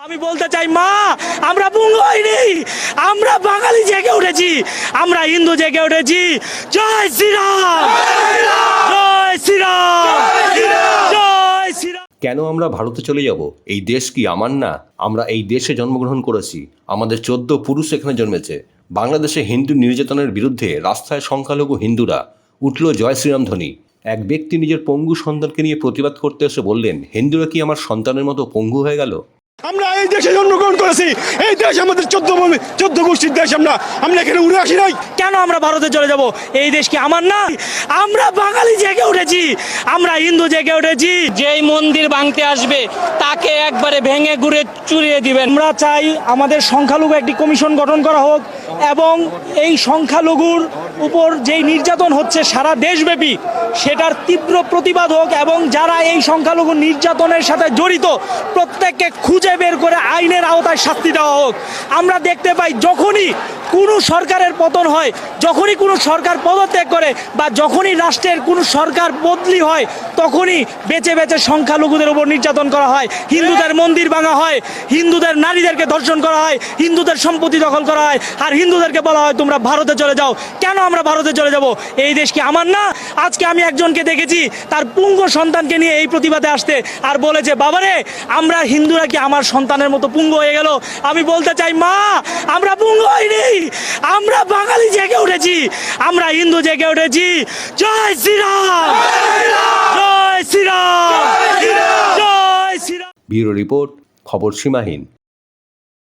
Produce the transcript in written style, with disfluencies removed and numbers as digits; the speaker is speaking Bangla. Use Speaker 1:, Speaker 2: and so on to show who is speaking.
Speaker 1: আমি বলতে চাই মা, আমরা পুঙ্গ হইনি, আমরা বাঙালি জেগে উঠেছি, আমরা হিন্দু জেগে উঠেছি। জয় শ্রীরাম, জয় শ্রীরাম, জয় শ্রীরাম।
Speaker 2: কেন আমরা ভারতে চলে যাব? এই দেশ কি আমার না? আমরা এই দেশে জন্মগ্রহণ করেছি, আমাদের 14 পুরুষ এখানে জন্মেছে। বাংলাদেশে হিন্দু নির্যাতনের বিরুদ্ধে রাস্তায় সংখ্যালঘু হিন্দুরা উঠল জয় শ্রীরাম ধ্বনি। এক ব্যক্তি নিজের পঙ্গু সন্তানকে নিয়ে প্রতিবাদ করতে এসে বললেন, হিন্দুরা কি আমার সন্তানের মতো পঙ্গু হয়ে গেল?
Speaker 3: আমরা এই দেশে জন্মগ্রহণ করেছি, এই দেশ আমাদের 14 গোষ্ঠীর দেশ। আমরা এখানে উড়ে আসি নাই।
Speaker 1: কেন আমরা ভারতে চলে যাব? এই দেশ কি আমার না? আমরা বাঙালি জেগে উঠেছি, আমরা হিন্দু জেগে উঠেছি।
Speaker 4: যেই মন্দির ভাঙতে আসবে তাকে একবারে ভেঙে গুড়ে চুরিয়ে দিবেন।
Speaker 1: আমরা চাই আমাদের সংখ্যালঘু একটি কমিশন গঠন করা হোক এবং এই সংখ্যালঘুর উপর যেই নির্যাতন হচ্ছে সারা দেশব্যাপী সেটার তীব্র প্রতিবাদ হোক এবং যারা এই সংখ্যালঘু নির্যাতনের সাথে জড়িত প্রত্যেককে খুঁজে বের করে আইনের আওতায় শাস্তি দেওয়া হোক। আমরা দেখতে পাই যখনই কোনো সরকারের পতন হয়, যখনই কোনো সরকার পদত্যাগ করে বা যখনই রাষ্ট্রের কোনো সরকার বদলি হয়, তখনই বেঁচে বেঁচে সংখ্যালঘুদের উপর নির্যাতন করা হয়, হিন্দুদের মন্দির ভাঙা হয়, হিন্দুদের নারীদেরকে ধর্ষণ করা হয়, হিন্দুদের সম্পত্তি দখল করা হয়, আর হিন্দুদেরকে বলা হয় তোমরা ভারতে চলে যাও। কেন আমরা ভারতে চলে যাব? এই দেশ কি আমার না? আজকে আমি একজনকে দেখেছি তার পুঙ্গ সন্তানকে নিয়ে এই প্রতিবাদে আসতে, আর বলেছে বাবারে আমরা হিন্দুরা কি আমার সন্তানের মতো পুঙ্গ হয়ে গেল? আমি বলতে চাই মা, আমরা পুঙ্গ হইনি, আমরা বাঙালি জেগে উঠেছি, আমরা হিন্দু জেগে উঠেছি। জয় শ্রীরাম, জয় শ্রীরাম, জয় শ্রীরাম।
Speaker 2: ব্যুরো রিপোর্ট, খবর সীমাহীন।